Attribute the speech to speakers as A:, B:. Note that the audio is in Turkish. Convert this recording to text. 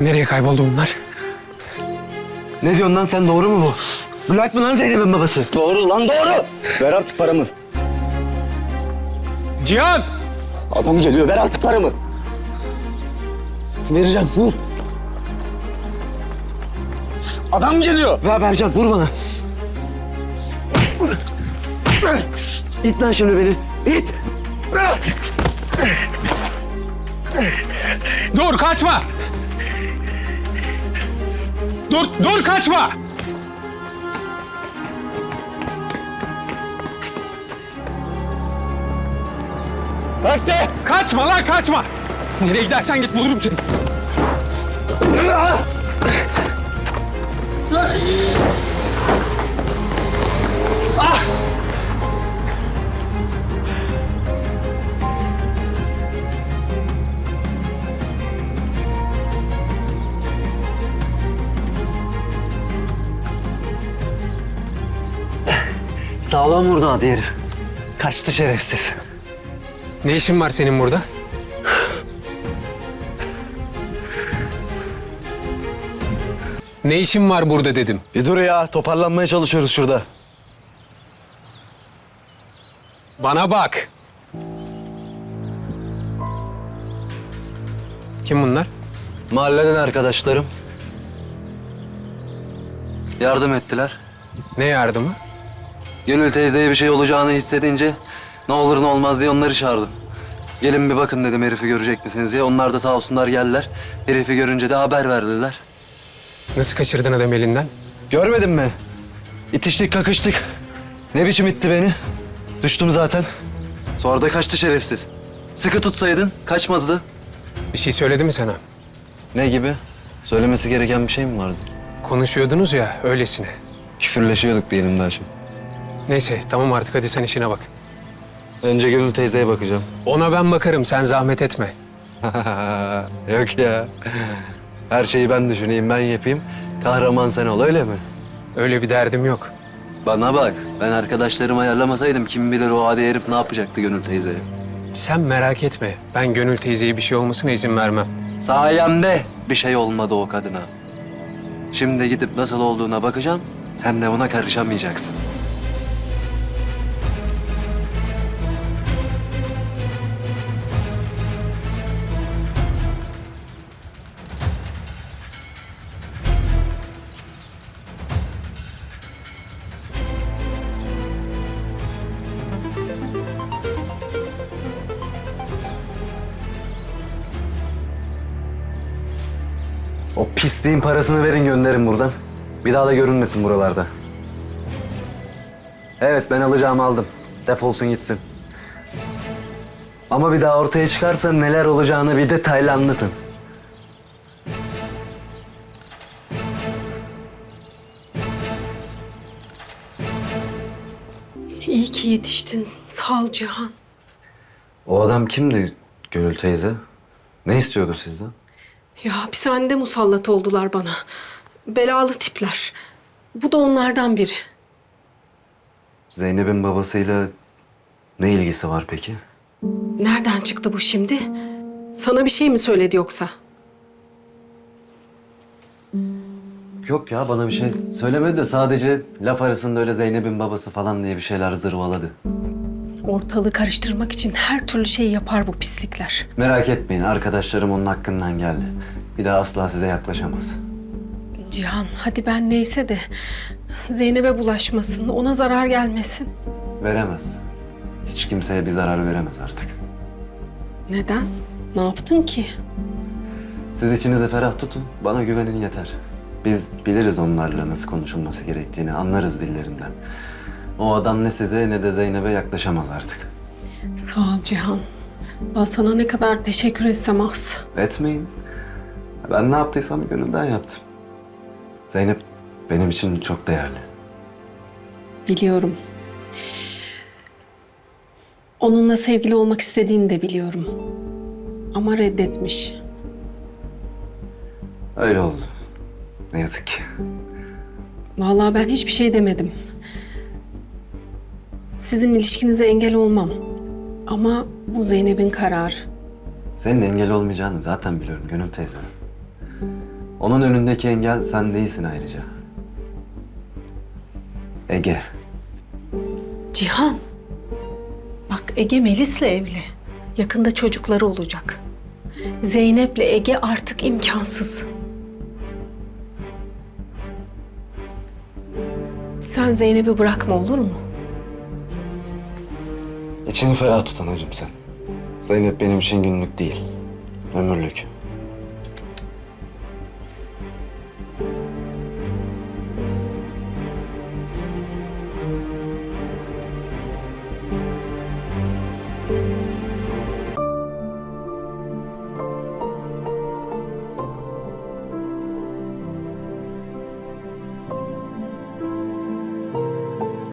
A: Nereye kayboldu bunlar?
B: Ne diyorsun lan sen, doğru mu bu? Bülent mi lan Zeynep'in babası? Doğru lan, doğru. Ver artık paramı.
A: Cihan!
B: Adam geliyor, ver artık paramı. Vereceğim, vur. Adam geliyor. Vereceğim, vur bana. İt lan şimdi beni, it.
A: Dur kaçma! Dur kaçma!
B: Taksi!
A: Kaçma lan kaçma! Nereye gidersen git bulurum seni.
B: Sağlam vurdu hadi herif. Kaçtı şerefsiz.
A: Ne işin var senin burada? Ne işin var burada dedim.
B: Bir dur ya, toparlanmaya çalışıyoruz şurada.
A: Bana bak. Kim bunlar?
B: Mahalleden arkadaşlarım. Yardım ettiler.
A: Ne yardımı?
B: Gönül teyzeye bir şey olacağını hissedince ne olur ne olmaz diye onları çağırdım. Gelin bir bakın dedim, herifi görecek misiniz diye. Onlar da sağ olsunlar geldiler. Herifi görünce de haber verdiler.
A: Nasıl kaçırdın adam elinden?
B: Görmedin mi? İtiştik kakıştık. Ne biçim itti beni? Düştüm zaten. Sonra da kaçtı şerefsiz. Sıkı tutsaydın kaçmazdı.
A: Bir şey söyledi mi sana?
B: Ne gibi? Söylemesi gereken bir şey mi vardı?
A: Konuşuyordunuz ya öylesine.
B: Küfürleşiyorduk diyelim daha çok.
A: Neyse tamam artık hadi sen işine bak.
B: Önce Gönül teyzeye bakacağım.
A: Ona ben bakarım sen zahmet etme.
B: Yok ya. Her şeyi ben düşüneyim, ben yapayım. Kahraman sen ol, öyle mi?
A: Öyle bir derdim yok.
B: Bana bak, ben arkadaşlarımı ayarlamasaydım kim bilir o adi herif ne yapacaktı Gönül teyzeye.
A: Sen merak etme. Ben Gönül teyzeye bir şey olmasına izin vermem.
B: Sayemde bir şey olmadı o kadına. Şimdi gidip nasıl olduğuna bakacağım, sen de buna karışamayacaksın. O pisliğin parasını verin, gönderin buradan. Bir daha da görünmesin buralarda. Evet, ben alacağımı aldım. Defolsun gitsin. Ama bir daha ortaya çıkarsa neler olacağını bir detaylı anlatın.
C: İyi ki yetiştin. Sağ ol Cihan.
B: O adam kimdi Gönül teyze? Ne istiyordu sizden?
C: Ya hapishanede musallat oldular bana. Belalı tipler. Bu da onlardan biri.
B: Zeynep'in babasıyla ne ilgisi var peki?
C: Nereden çıktı bu şimdi? Sana bir şey mi söyledi yoksa?
B: Yok ya, bana bir şey söylemedi de sadece laf arasında öyle Zeynep'in babası falan diye bir şeyler zırvaladı.
C: Ortalığı karıştırmak için her türlü şeyi yapar bu pislikler.
B: Merak etmeyin, arkadaşlarım onun hakkından geldi. Bir daha asla size yaklaşamaz.
C: Cihan hadi ben neyse de Zeynep'e bulaşmasın, ona zarar gelmesin.
B: Veremez. Hiç kimseye bir zarar veremez artık.
C: Neden? Ne yaptın ki?
B: Siz içinizi ferah tutun, bana güvenin yeter. Biz biliriz onlarla nasıl konuşulması gerektiğini, anlarız dillerinden. O adam ne size ne de Zeynep'e yaklaşamaz artık.
C: Sağ ol Cihan. Ben sana ne kadar teşekkür etsem az.
B: Etmeyin. Ben ne yaptıysam gönülden yaptım. Zeynep benim için çok değerli.
C: Biliyorum. Onunla sevgili olmak istediğini de biliyorum. Ama reddetmiş.
B: Öyle oldu. Ne yazık ki.
C: Vallahi ben hiçbir şey demedim. Sizin ilişkinize engel olmam. Ama bu Zeynep'in kararı.
B: Senin engel olmayacağını zaten biliyorum Gönül teyze. Onun önündeki engel sen değilsin ayrıca. Ege.
C: Cihan. Bak Ege Melis'le evli. Yakında çocukları olacak. Zeynep'le Ege artık imkansız. Sen Zeynep'i bırakma olur mu?
B: İçini ferah tut anacığım sen. Zeynep benim için günlük değil, ömürlük.